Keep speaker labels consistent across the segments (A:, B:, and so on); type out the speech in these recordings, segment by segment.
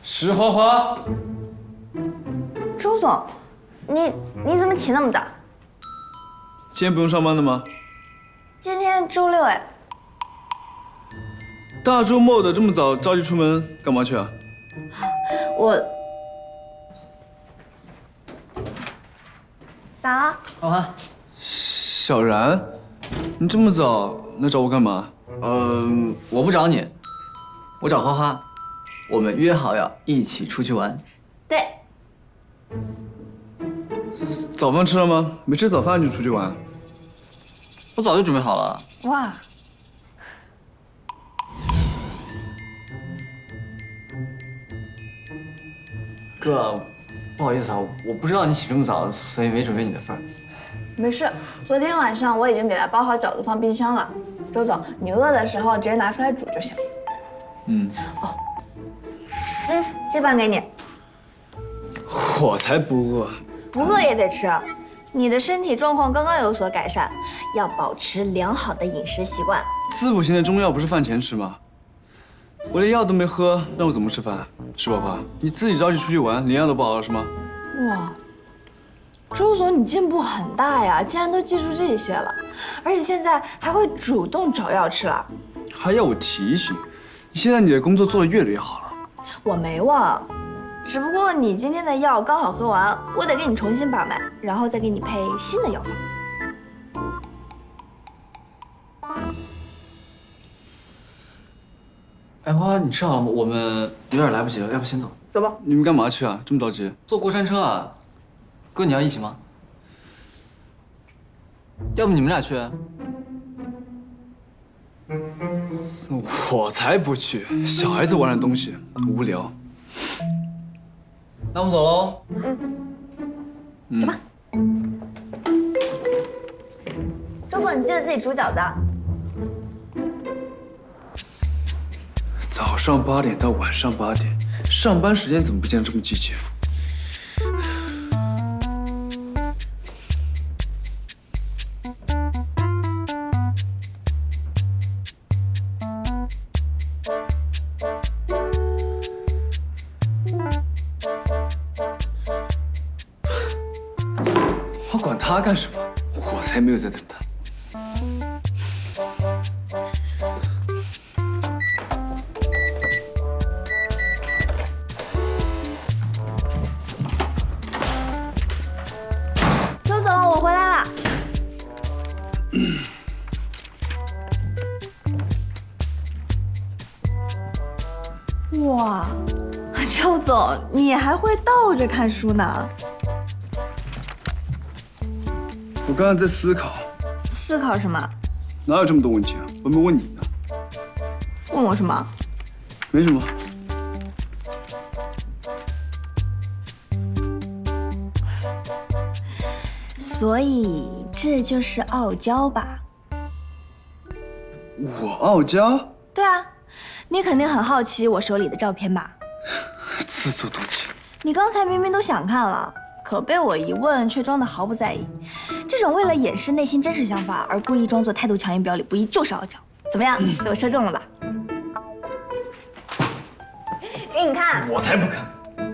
A: 石花花，
B: 周总，你怎么起那么早？
A: 今天不用上班的吗？
B: 今天周六哎。
A: 大周末的这么早着急出门干嘛去啊？
B: 我咋了？
C: 花花，
A: 小然，你这么早来找我干嘛？
C: 我不找你，我找花花，我们约好要一起出去玩。
B: 对，
A: 早饭吃了吗？没吃早饭就出去玩？
C: 我早就准备好了。
B: 哇，
C: 哥，不好意思啊，我不知道你起这么早，所以没准备你的份儿。
B: 没事，昨天晚上我已经给他包好饺子放冰箱了。周总，你饿的时候直接拿出来煮就行。这饭给你。
A: 我才不饿。
B: 不饿也得吃，你的身体状况刚刚有所改善，要保持良好的饮食习惯。
A: 滋补型的中药不是饭前吃吗？我连药都没喝，让我怎么吃饭？石花花，你自己着急出去玩，连药都不熬了是吗？
B: 哇，周总你进步很大呀，竟然都记住这些了，而且现在还会主动找药吃了。
A: 还要我提醒？现在你的工作做得越来越好了。
B: 我没忘，只不过你今天的药刚好喝完，我得给你重新把脉，然后再给你配新的药方。
C: 哎，花花，你吃好了吗？我们有点来不及了，要不先走？
B: 走吧。
A: 你们干嘛去啊？这么着急？
C: 坐过山车啊？哥，你要一起吗？要不你们俩去？
A: 我才不去！小孩子玩的东西无聊。
C: 那我们走喽。
B: 走吧。周总，你记得自己煮饺子啊。
A: 早上8点到晚上8点，上班时间怎么不见得这么积极？我管他干什么？我才没有在等他。
B: 周总，我回来了。哇，周总，你还会倒着看书呢？
A: 我刚才在思考，
B: 思考什么？
A: 哪有这么多问题啊？我没问你呢。
B: 问我什么？
A: 没什么。
B: 所以这就是傲娇吧？
A: 我傲娇？
B: 对啊，你肯定很好奇我手里的照片吧？
A: 自作多情。
B: 你刚才明明都想看了，可被我一问却装得毫不在意。这种为了掩饰内心真实想法而故意装作态度强硬表里不一，就是傲娇。怎么样，被我说中了吧？给你看。
A: 我才不看。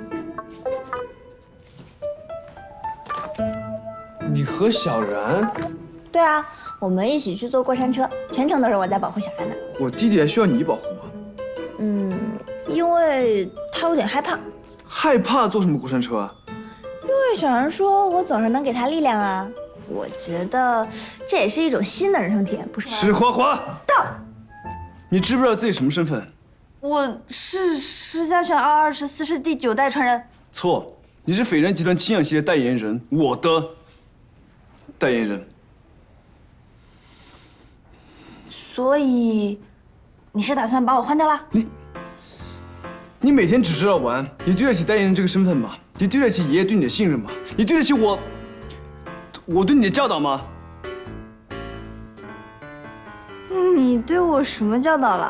A: 你和小然？
B: 对啊，我们一起去坐过山车，全程都是我在保护小然的。
A: 我弟弟还需要你保护吗？
B: 因为他有点害怕。
A: 害怕坐什么过山车啊？
B: 因为小然说我总是能给他力量啊，我觉得这也是一种新的人生体验，不是吗？
A: 石花花，
B: 到，
A: 你知不知道自己什么身份？
B: 我是石家泉224世第9代传人。
A: 错，你是斐然集团清氧系的代言人，我的代言人。
B: 所以，你是打算把我换掉了？
A: 你每天只知道玩，你对得起代言人这个身份吗？你对得起爷爷对你的信任吗？你对得起我对你的教导吗？
B: 你对我什么教导了？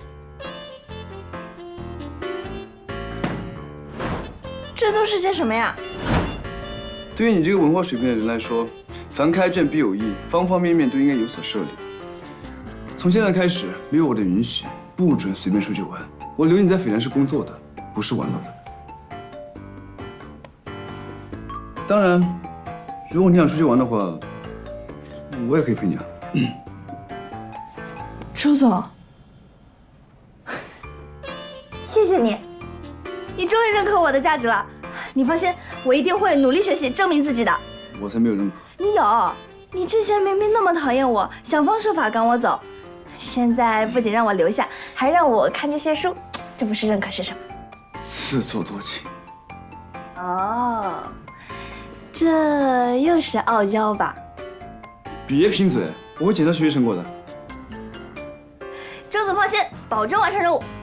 B: 这都是些什么呀？
A: 对于你这个文化水平的人来说，凡开卷必有益，方方面面都应该有所涉猎。从现在开始，没有我的允许，不准随便出去玩。我留你在斐然市工作的， 不是玩乐的。当然，如果你想出去玩的话，我也可以陪你啊。
B: 周总，谢谢你，你终于认可我的价值了。你放心，我一定会努力学习，证明自己的。
A: 我才没有认可。
B: 你有，你之前明明那么讨厌我，想方设法赶我走，现在不仅让我留下，还让我看这些书，这不是认可是什么？
A: 自作多情。
B: 哦，这又是傲娇吧？
A: 别贫嘴，我会检查学习成果的。
B: 周总放心，保证完成任务。